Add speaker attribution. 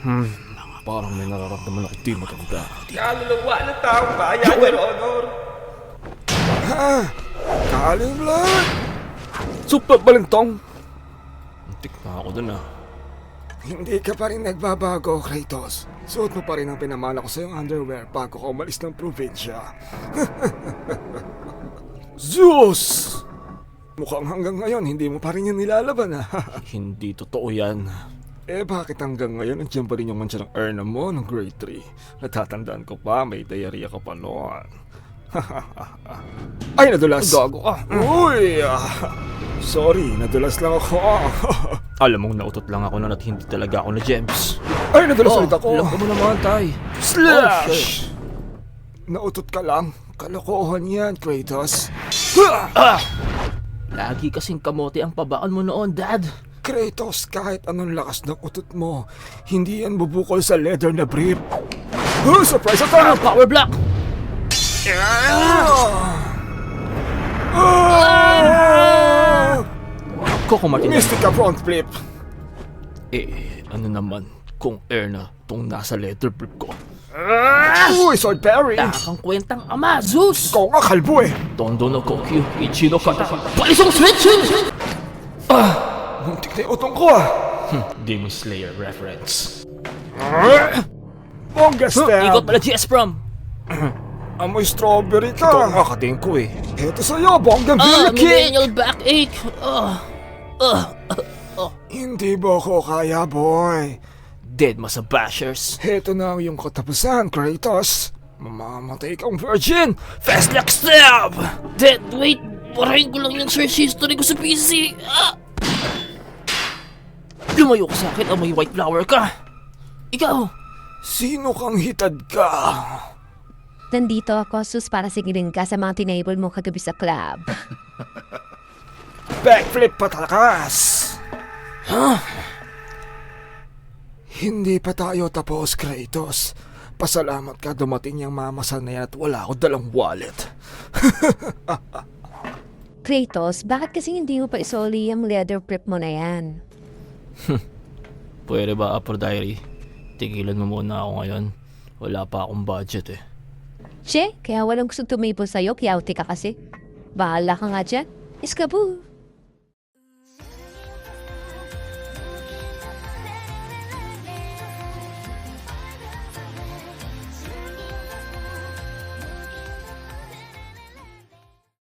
Speaker 1: Parang may nararamdaman ako di maganda.
Speaker 2: Kaluluwa ng taong bayan, Your Honor.
Speaker 3: Kaling blood!
Speaker 1: Super balintong! Muntik na ako dun
Speaker 3: Hindi ka pa rin nagbabago, Kratos. Suot mo pa rin ang pinamana ko sa iyong underwear bago ka umalis ng probinsya.
Speaker 1: Zeus!
Speaker 3: Mukhang hanggang ngayon hindi mo pa rin yan nilalaban
Speaker 1: Hindi totoo yan.
Speaker 3: Bakit hanggang ngayon nandiyan pa rin yung mancha ng urna mo ng grade 3? Natatandaan ko pa, may diarrhea ka pa noon. Ay, nadulas!
Speaker 1: Gago ka!
Speaker 3: Uy! Sorry, nadulas lang ako.
Speaker 1: Alam mong nautot lang ako nun at hindi talaga ako na gems.
Speaker 3: Ay, nadulas ulit ako.
Speaker 1: Alam ko mo naman, tay.
Speaker 3: Slash! Nautot ka lang. Kalokohan yan, Kratos.
Speaker 1: Lagi kasing kamote ang pabaan mo noon, Dad.
Speaker 3: Kratos, kahit anong lakas ng utot mo, hindi yan bubukol sa leather na brief. Surprise attack!
Speaker 1: Power block! Coco Martinez.
Speaker 3: Mystica front flip.
Speaker 1: Ano naman kung air na tong nasa leather brief ko?
Speaker 3: Uy, sword parry.
Speaker 1: Takang kwentang ama, Zeus!
Speaker 3: Ikaw nga kalbo
Speaker 1: Tondo no Kokyu, Ichino Kata, Palisong Switch!
Speaker 3: Muntik na yung utong ko
Speaker 1: Demon Slayer reference.
Speaker 3: Bongga stab.
Speaker 1: Ikot pala GS Prom!
Speaker 3: Amoy strawberry ka.
Speaker 1: Ito ang kakatingin ko
Speaker 3: Eto sa'yo, bongga bill kick.
Speaker 1: Millennial backache!
Speaker 3: Hindi ba ako kaya, boy?
Speaker 1: Dead masa bashers.
Speaker 3: Heto na yung katapusan, Kratos. Mamamatay kang virgin.
Speaker 1: Fast like stab! Dead, wait! Parahin ko lang yung search history ko sa PC! Lumayo ka sa akin, amoy white flower ka! Ikaw!
Speaker 3: Sino kang hitad ka?
Speaker 4: Nandito ako, Sus, para sigilin ka sa mga tinable mo kagabi sa club.
Speaker 3: Backflip patalakas. Hindi pa tayo tapos, Kratos. Pasalamat ka dumating yung mamasan na yan at wala ako dalang wallet.
Speaker 4: Kratos, bakit kasi hindi mo pa isoli yung leather prep mo na yan?
Speaker 1: Pwede ba, Aphrodite? Tigilan mo muna ako ngayon. Wala pa akong budget
Speaker 4: Che, kaya walang gusto tumipon sa'yo, kiyauti ka kasi. Bahala ka nga dyan. Iskaboo!